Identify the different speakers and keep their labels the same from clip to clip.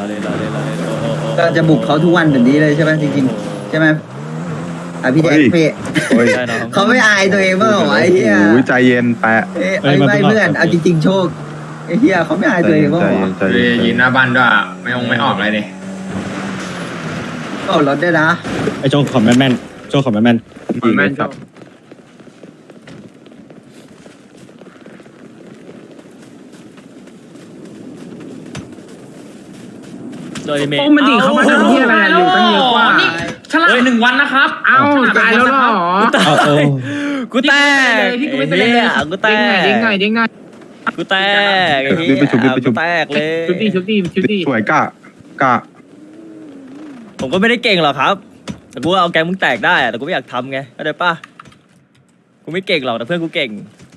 Speaker 1: ก็จะบุกเขาทุกวันแบบนี้เลยใช่ไหมจริงๆใช่ไหมพี่แจ็คพี่เขาไม่อายตัวเองบ้างเหรอไอ้เหี้ย
Speaker 2: ใจเย็นแปะ
Speaker 1: ไม่เพื่อนเอาจริงๆโชคไอ้เหี้ยเขาไม่อายตัวเองบ้างเหรอ
Speaker 3: ยืนหน้าบ้านด้วยไม่ออกอะไรเลย
Speaker 1: ก็รถได้นะ
Speaker 4: ไอโชคขอแม่นโชคขอแม่น
Speaker 2: ครับ
Speaker 3: โดยเมย์มันดิเขามาทำที่อะไรอยู่ตั้งเยอะกว่าฉลาด1 วันนะครับตายแล้วเหรอกูแตกที่กูไม่เป็นเลยกูแตกดิ้งหน่อยกูแตกกูแตกเลยชุดดี
Speaker 2: สวยกะ
Speaker 3: ผมก็ไม่ได้เก่งหรอกครับแต่กูเอาแกมึงแตกได้แต่กูไม่อยากทำไงเข้าใจป่ะกูไม่เก่งหรอกแต่เพื่อนกูเก่ง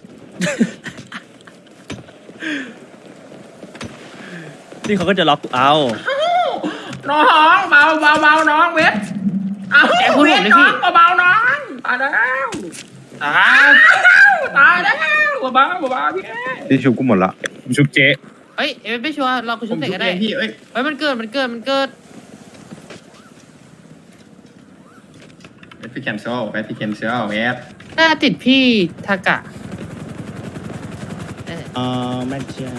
Speaker 3: นี่เขาก็จะล็อกกูเอาน้องเบาน้องเวทเอาแกพูดผมเลยพี่เบาน้องตายแล้วเบา
Speaker 2: ที่ชุบกูหมดละ
Speaker 4: ชุบเจ๊
Speaker 5: เฮ้ยไม่ชัวร์เราคุยชุบเสร็จก็ได้
Speaker 3: พี่เฮ้
Speaker 5: ยมันเกิด
Speaker 3: พี่แคมเซลเวท
Speaker 5: น่าติดพี่ทากะ
Speaker 4: แม่เจ้า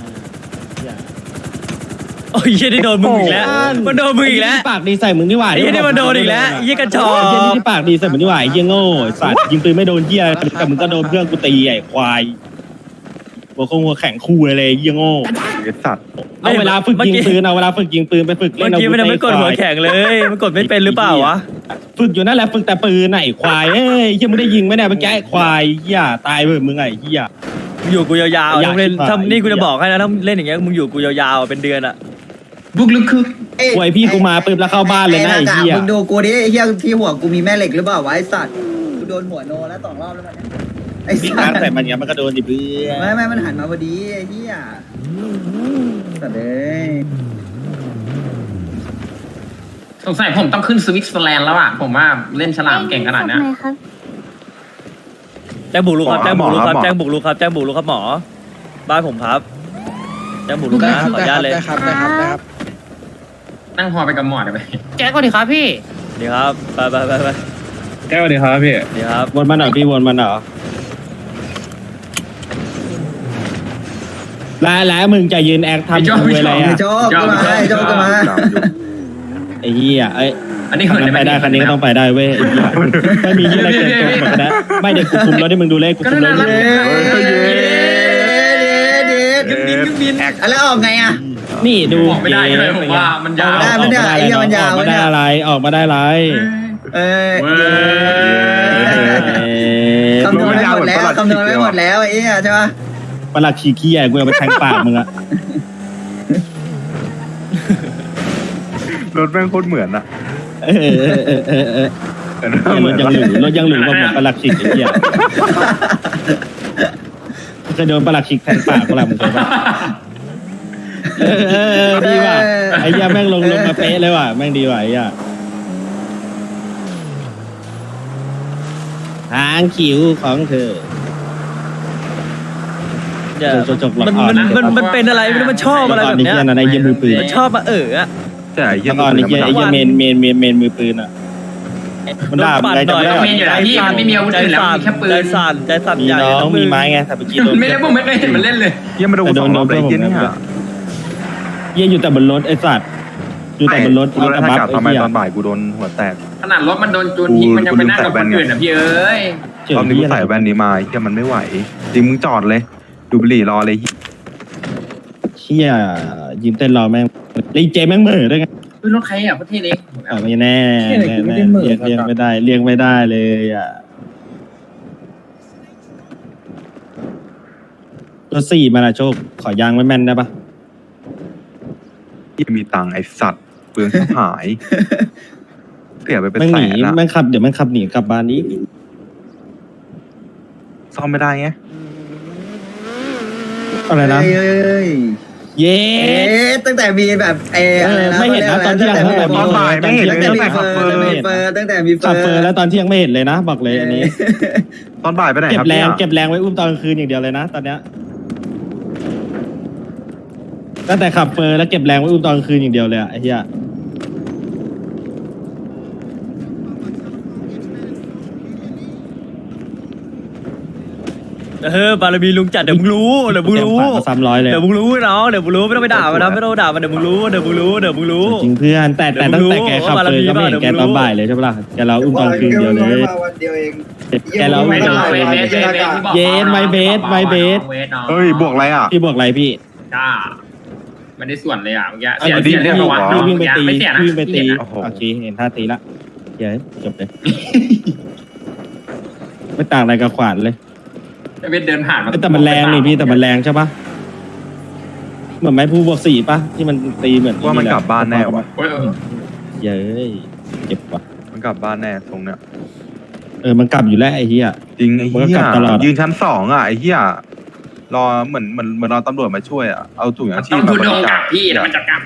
Speaker 3: โอ้ยยี่ได้โดนมึงอีกแล้วมันโดนมึงอีกแล้ว
Speaker 4: ปากดีใส่มึงนี่หว่า
Speaker 3: ยี่ได้มาโดนอีกแล้วยี่กระจอก
Speaker 4: ที่ปากดีใส่มึงนี่หว่ายี่โง่สัตว์ยิงปืนไม่โดนเหี้ยแต่มึงก็โดนเพื่อนกูตีไอ้ควายหัวแข็งคู่เลยยี่โง่
Speaker 2: สัตว์
Speaker 4: เอาเวลาฝึกยิงปืนไปฝึกเล่นเอา
Speaker 3: เมื่อกี้มันไม่กดหัวแข็งเลยมันกดไม่เป็นหรือเปล่าวะ
Speaker 4: ฝึกอยู่นั่นแหละฝึกแต่ปืนไอ้ควายเอ้ยยังไม่ได้ยิงไม่ได้เมื่อกี้ไอ้ควายเหี้ยตายเว้ยมึงไอ้เหี้ย
Speaker 3: อยู่กูยาวๆต้องเล่นทำนี่กูจะบอกให้นะถ้าเล่นอย่างเงี้ยมึงอยู่กูยาวๆเป็นเดือนอะบุกลึกคือ
Speaker 4: ป่วยพี่กูมาปืนแล้วเข้าบ้านเลยนะไอ้เหี้ย
Speaker 1: มึงดูกูดิไอ้เหี้ยที่หัวกูมีแม่เหล็กหรือเปล่าวะไอ้สัตว์กูโดนหัวโนแล้ว2 รอบแล้วมัน
Speaker 4: ไอ้สัตว์แต่มันเงี้ยมันก็โดนดิเพื่อ
Speaker 1: ไม่มันหันมาพอดีไอ้เหี้ยสัตว์เลย
Speaker 3: สงสัยผมต้องขึ้นสวิตเซอร์แลนด์แล้วอ่ะผมว่าเล่นฉลามเก่งขนาดนี้แจ้งบุกลุกครับหมอบ้านผมครับแจ้งบุกลุกนะขออนุญาตเลย
Speaker 5: ครับ
Speaker 3: นั่งพอไปกับหมอได้ไหม
Speaker 5: แจ๊กก่อนดิครับพี่
Speaker 3: ดีครับไป
Speaker 4: แก้วดีครับพี่
Speaker 3: ดีครับ
Speaker 4: วนมาหน่อยพี่วนมาหน่อยแล้วมึงจะยืนแอคทำอะไรอ่ะ
Speaker 1: โจ๊กมา
Speaker 4: ไอ้เหี้ย
Speaker 3: อันนี้
Speaker 4: ไปได้คันนี้ก็ต้องไปได้เว้ยไม่มีที่อะไรเกินตัวหมดนะไม่เด็กกูคุมรถให้มึงดูเลขกูคุมรถ
Speaker 1: บินแล้วออกไงอ่ะ
Speaker 4: นี่ดู
Speaker 3: ออกไม่ได้เลยผมว่ามันยาว
Speaker 1: ไม่ได้ไอ้เหี้ยมันยาว
Speaker 4: ไม่ได้อะไรออกมาได้ไร
Speaker 1: คำนวณไม่หมดแล้วไอ้เหี้ยใช่ปะ
Speaker 4: ปลักขี้ขี้ใหญ่กูเอาไปแทงปากมึงอะ
Speaker 2: รถแม่งโคตรเหมือนอะ
Speaker 4: รถยังหลุมกับเหมือนปลักขี้ไอ้เหี้ยเคยโดนปลักขี้แทงปากกูละมึงเคยปะดีว่ะไอ้เหี้ยแม่งลงมาเป๊ะเลยว่ะแม่งดีว่ะไอ้เหี้ยหางคิ้วของเธอ
Speaker 3: มันเป็นอะไรไม่รู้มันชอบอะไรแบบเนี้ย
Speaker 4: ในเยี่ยมือปืน
Speaker 3: ชอบมา
Speaker 2: แต่ไอ้เยี่ย
Speaker 4: เมนมือปืนอ่ะ
Speaker 3: มันด่าอะไรจะไม่ได้พี่มันไม่มีอาวุธอื่นแล้วมีแค่ปืนใจสั่นใหญ่
Speaker 4: ต้องมีไม้ไงแต่เมื่อกี้
Speaker 3: ไม่ได้ผมไม่เคยเห็นมันเล่นเลย
Speaker 2: เยี่ยมาโดน2 รอบเลยเยี่ยนี่ฮะ
Speaker 4: เยี่ยอยู่แต่บนรถไอ้สัตว์อยู่แต่บนรถ
Speaker 2: แล้วถ้าทำไมตอนบ่ายกูโดนหัวแตก
Speaker 3: ขนาดรถมันโดนจูนทิ้งมันยังไปนั่งกับคนอื่นอ่ะพี่เอ้ย
Speaker 2: ตอนนี้กูใส่แว่นนี้มาเยี่ยมันไม่ไหวจริงมึงจอดเลยดูบุหรี่รอเลย
Speaker 4: เชี่ยยิ้มเต้นรอแม่งรีเจแม่งเหม่อด้วยไง
Speaker 3: รถใครอ่ะประเทศเล็ก
Speaker 4: ไม่แน่เรียกไม่ได้เลยอ่ะรถ4มาละโชคขอยางไม่แม่นได้ปะ
Speaker 2: ยังมีตังไอสัตว์เปลืองหายเสียไปเป็นแสนละ
Speaker 4: แม่งขับเดี๋ยวแม่งขับหนีกลับบ้านนี้
Speaker 2: ซ่อมไม่ได้ไง
Speaker 4: อะไรนะเย้
Speaker 1: ตั้งแต่มีแบบ
Speaker 4: ไม่เห็นนะตอนเที่ยง
Speaker 2: ตอนบ่ายไม่เห็นเลยตั้งแต่ขับเฟอร์
Speaker 4: ขับเฟอร์แล้วตอนเที่ยงไม่เห็นเลยนะบอกเลยอันนี้
Speaker 2: ตอนบ่ายไปไหน
Speaker 4: ครับเก็บแรงไว้อุ้มตอนกลางคืนอย่างเดียวเลยนะตอนเนี้ยตั้งแต่ขับเฟอร์แล้วเก็บแรงไว้อุ้มตอนกลางคืนอย่างเดียวเลยอะไอ้เหี้ย
Speaker 6: บารมีลุงจัดเดี๋ยวมึงรู้เดี๋ยวมึงรู้
Speaker 4: ซ้ำร้อยเลย
Speaker 6: เดี๋ยวมึงรู้น้องเดี๋ยวมึงรู้ไม่ต้องไปด่ามันนะไม่ต้องด่ามันเดี๋ยวมึงรู้เดี๋ยวมึงรู้เดี๋ยวมึงรู้
Speaker 4: จริงเพื่อนแต่ตั้งแต่แกขับเฟอร์ก็ไม่เห็นแกตอนบ่ายเลยใช่ปะล่ะแกเราอุ้มตอนกลางคืนเดียวเลย
Speaker 1: วันเดียวเอง
Speaker 4: แกเราอุ้มตอน เยนไมเบส
Speaker 2: เฮ้ยบวกอะไรอ่ะ
Speaker 4: พี่บอกอะไรพี่
Speaker 3: จ้าไม่ได้ส่วนเลยอ่ะเมื่อกี้
Speaker 2: เสียเสีย
Speaker 4: พี่วิ่งไปตี
Speaker 3: ไม่เสียนะ
Speaker 4: พี่วิ่งไปตี
Speaker 2: โอ้โห
Speaker 4: โอเคเห็นท่าตีละเดี๋ยวจบเลยไม่ต่างอะไรกับขวานเลย
Speaker 3: เวทเดินผ่านมา
Speaker 4: แต่มันแรงนี่พี่แต่มันแรงใช่ปะเหมือนไม้พูบวก4ปะที่มันตีเหมือน
Speaker 2: ว่ามันกลับบ้านแน่วะ
Speaker 4: เย้ยเจ็บว่ะ
Speaker 2: มันกลับบ้านแน่ตรงเนี้ย
Speaker 4: มันกลับอยู่แล้วไอ้เหี้ย
Speaker 2: จริงไอ้
Speaker 4: มันก็
Speaker 2: เหี้
Speaker 4: ก
Speaker 2: ย
Speaker 4: ลับตลอด
Speaker 2: ยืนชั้น2อ่ะไอ้เหี้ยรอเหมือนรอตำรวจมาช่วยอ่ะเอาถุงยางชี
Speaker 3: ต้
Speaker 2: พ
Speaker 3: อง
Speaker 2: มา
Speaker 3: ทุน
Speaker 2: บ
Speaker 3: ล
Speaker 2: ริ
Speaker 3: ง
Speaker 2: จา
Speaker 3: กั
Speaker 2: ค
Speaker 3: บพี่แล้วมันจะกลับ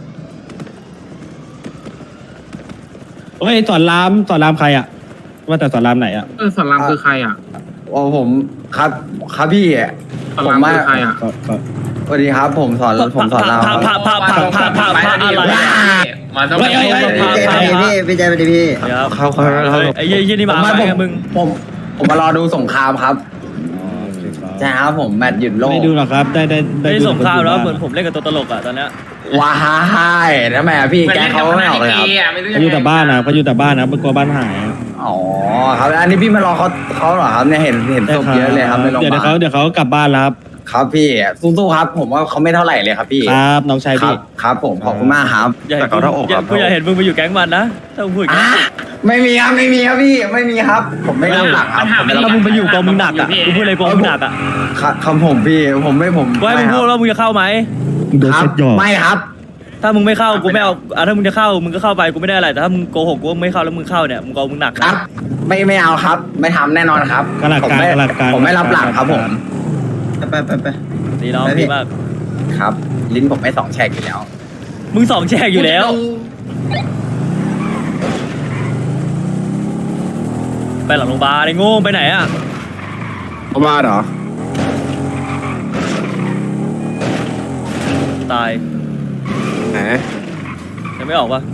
Speaker 4: เฮ้ยสอนรามใครอ่ะว่าแต่สอนรามไหนอ่ะ
Speaker 3: สอนรามคือใครอ่ะ
Speaker 7: โอ้ผมครับพี่
Speaker 3: สอนรามคือใครอ่ะ
Speaker 7: สวัสดีครับผมสอนรามครับ
Speaker 6: พระอะไร
Speaker 3: มาต้อง
Speaker 1: พี่ใจไปดิพี่
Speaker 7: เขา
Speaker 6: ไอ้ยี่นี่มาไงมึง
Speaker 7: ผมมารอดูสงครามครับใช่ครับผมแมตช์หยุดโลก
Speaker 4: ไม่ดูหรอกครับได้
Speaker 6: ไม่
Speaker 4: ดู
Speaker 6: สงครามแล้วเหมือนผมเล่นกับตัวตลกอ่ะตอนเนี้ย
Speaker 7: ว้ายทำไมอะพี่แกเขาไม่ออกเลยครับ
Speaker 4: เขาอยู่แต่บ้านนะเขาอยู่แต่บ้านนะเป็นกลัวบ้านหายอะ
Speaker 7: อ๋อครับอันนี้พี่มารอเขาเหรอครับเนี่ยเห็นศพเยอะเลยครับในโรงพ
Speaker 4: เดี๋ย
Speaker 7: ยาวบาล
Speaker 4: เดี๋ยวเขากลับบ้านแล้วครับ
Speaker 7: ครับพี่สู้ๆครับ ผมว่าเขาไม่เท่าไหร่เลยครับพี่
Speaker 4: ครับน้องชาย
Speaker 7: ครั
Speaker 4: พี่
Speaker 7: บครับผมขอบคุณมากครับ
Speaker 6: อย่าเห็นกูอย่าเห็นมึงไปอยู่แก๊งมันนะถ้ามึงพูดอย่างนี้
Speaker 7: ไม่มีครับพี่ไม่มีครับ ผมไม่รับหลังครับ
Speaker 6: ถ้ามึงไปอยู่กองมึงหนักอ่ะกูพูดเลยกองมึงหนักอ่ะ
Speaker 7: คำผมพี่ผม
Speaker 6: กูให้มึงพูดว่ามึงจะเข้าไหม
Speaker 4: โดน
Speaker 7: ครั
Speaker 4: เซ็
Speaker 7: บ
Speaker 4: ตหยอก
Speaker 7: ไม่ครับ
Speaker 6: ถ้ามึงไม่เข้ากูไม่เอาถ้ามึงจะเข้ามึงก็เข้าไปกูไม่ได้อะไรแต่ถ้ามึงโกหกกูไม่เข้าแล้วมึงเข้าเนี่ยมึงกองมึงหนัก
Speaker 7: ครั
Speaker 6: นะ
Speaker 7: บ ไม่เอาครับ ไม่ทำแน่นอนครับ
Speaker 4: กระหลักการกระหลักการ
Speaker 7: ผมไม่รับหลังครับผม
Speaker 1: ไป
Speaker 6: ดีน้องดีมาก
Speaker 7: ครับ ลิ้นผมไม่สองแฉกอยู่แล้ว
Speaker 6: มึง2แฉกอยู่แล้วไปหลังโรงพยาบาลไอ้โง่ไปไหนอ่ะ
Speaker 7: มาเหรอ
Speaker 6: ตาย
Speaker 7: ไหน
Speaker 6: ยังไม่ออกปะ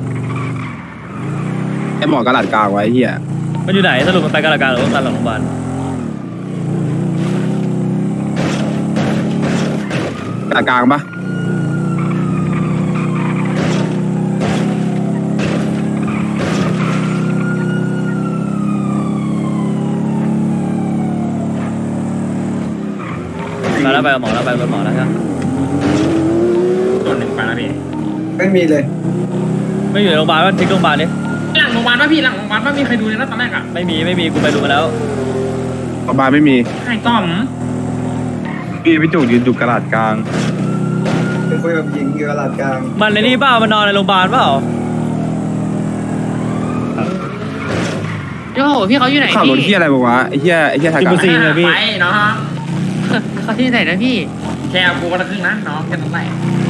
Speaker 7: ไอหมอกระดาษกลางไว้เฮีย
Speaker 6: มันอยู่ไหนสรุปมันไปกาลาการหรือว่าไปหลังโรงพยาบาล
Speaker 7: กระดาษกลางปะ
Speaker 6: ไปแล้วไปกับหมอแล้วไปกับหมอแล้วใช่ไหม
Speaker 3: ส่วนหนึ่งไปแล้วพี่
Speaker 7: ไม่มีเลย
Speaker 6: ไม่อยู่ในโรงพยาบาลว่าทิ้งโรงพยาบาลดิ
Speaker 3: หลังโรงพยาบาลป่ะพี่หลังโรงพยาบาลป่ะมีใครดูเลยนะตอนแรกอ่ะ
Speaker 6: ไม่มีกูไปดูมาแล้ว
Speaker 7: ประมาณไม่มี
Speaker 3: ใครต้อม
Speaker 2: พี่จุกยืนอยู่กระดาษกลาง
Speaker 7: เป็นคุยกับหญิงอยู่กระดาษกลาง
Speaker 6: มันในนี่เปล่ามันนอนในโรงพยาบาลเปล่า
Speaker 5: โอ้โหพี่เขาอยู่ไหน
Speaker 7: ข่าวรถ
Speaker 5: พี่
Speaker 7: เฮียอะไรบอกว่าไอ้เฮียทากา
Speaker 4: กินซีนเลยพี่
Speaker 3: ไปเนาะ
Speaker 5: เขาที่ไหนนะพี่
Speaker 3: แค่กูก็ละครึ่งนะน้องแค่ต้องไหน